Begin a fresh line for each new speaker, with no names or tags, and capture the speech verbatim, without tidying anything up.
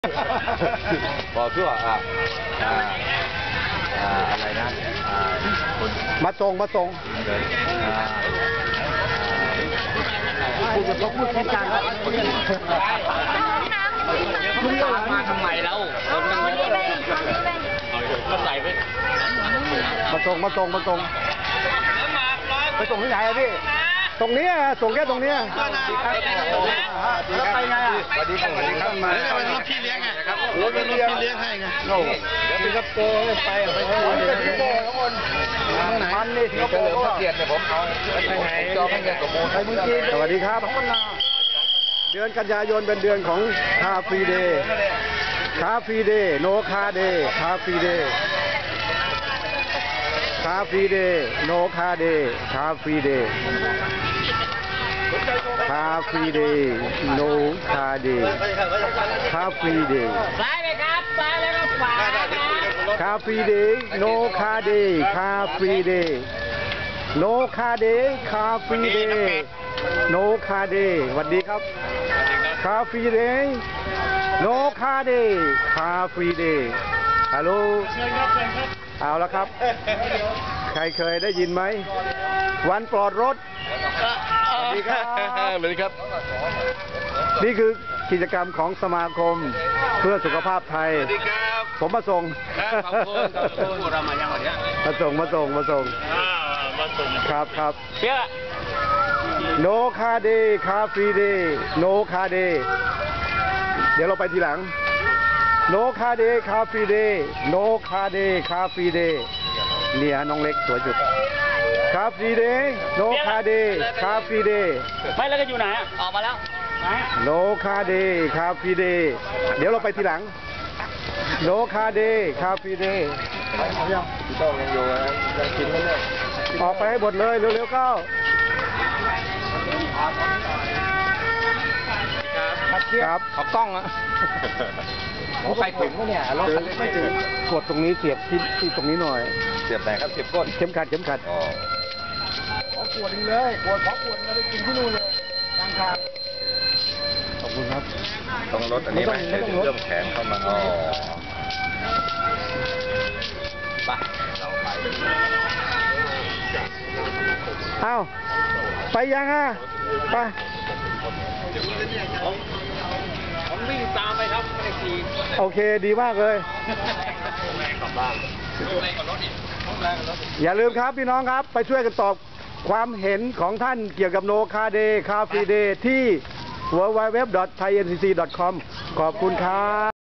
บอกชั่วอ่าอ่าอ่าอะไรนะอ่า
มาตรงมาตรง
อ่า
พูดเขาพูดแค่กลางแล้ว
มึงมาทำไมแล้วคนนึงก็ใส่ไป
มาตรงมาตรงมาตรงไปตรงที่ไหนอะพี่ตรงนี้อะส่งแค่ตรงนี้แล้วไปไงอ่ะ
สวัสดีครับสวัสดีครับมา
แล้วเป็นรถพี่เลี้ยงไงครับรถเป็นรถพี่เลี้ยงให้ไง
โน่เดี๋ยวสิงคโปร์ไปไปเท่าไหร่สิงคโปร์ทั้งหมดมันนี่สิงคโปร์ก็เกียรติเนี่ยผมเอาไปไหนจองให้เงินสมบูรณ์ไปเมืองจีนสวัสดีครับเดือนกันยายนเป็นเดือนของคาฟรีเดย์คาฟรีเดย์โนคาเดย์คาฟรีเดย์คาฟรีเดย์โนคาเดย์คาฟรีเดย์คาฟรีเดย์โนคาเดย์คาฟรีเดย์
ซ้ายเลยครับซ้ายแล้วก็ขวา
คาฟรีเดย์โนคาเดย์คาฟรีเดย์โนคาเดย์คาฟรีเดย์โนคาเดย์สวัสดีครับคาฟรีเดย์โนคาเดย์คาฟรีเดย์ฮัลโหลเอาละครับใครเคยได้ยินไหมวันปลอดรถสวัสดีครับ
สวัสดีครับ
นี่คือกิจกรรมของสมาคมเพื่อสุขภาพไทย
สวัสดีครับ
ผมมาส่ง
ครับขอบคุณขอบคุณเรามายังวันนี้
มาส่งมาส่งมาส่งครับครับ
เชื่อ
โนคาเดย์คาฟรีเดย์โนคาเดย์เดี๋ยวเราไปทีหลังโนคาเดย์คาฟรีเดย์โนคาเดย์คาฟรีเดย์เนี่ยน้องเล็กสวยจุดคาฟรีเดย์โนคาเดย์คาฟรีเดย์
ไม่แล้วก็อยู่ไหนออกมาแล้ว
โนคาเดย์คาฟรีเดย์เดี๋ยวเราไปทีหลังโนคาเดย์คาฟรีเดย์
ต้องยังอยู่นะยังกินไม่เลิก
ออกไปให้หมดเลยเร็วๆเข้าครับ
ขอกล้องอะผมไปถึงแล้วเนี่ยรถคันเล็กไม่ถึง
กดตรงนี้เสียบที่ที่ตรงนี้หน่อย
เสียบไหนครับเสียบก้น
เข็มขัดเข็มขัด
อ๋อ
ขอขวดนึงเลยขวดขอขวดเราไปกินที่นู่นเลยทางทางขอบคุณครับ
ต้องรถอันนี้ไหมเริ่มแข็งเข้ามาอ๋อไปเราไป
อ้าวไปยังอ่ะไป
ผมวิ่งตามไปครับไม่ได้ขี่
โอเคดีมากเลยอย่าลืมครับพี่น้องครับไปช่วยกันตอบความเห็นของท่านเกี่ยวกับโนคาเดย์คาฟรีเดย์ที่ ดับเบิลยู ดับเบิลยู ดับเบิลยู ดอท ไทย เอ็น ซี ซี ดอท คอม ขอบคุณครับ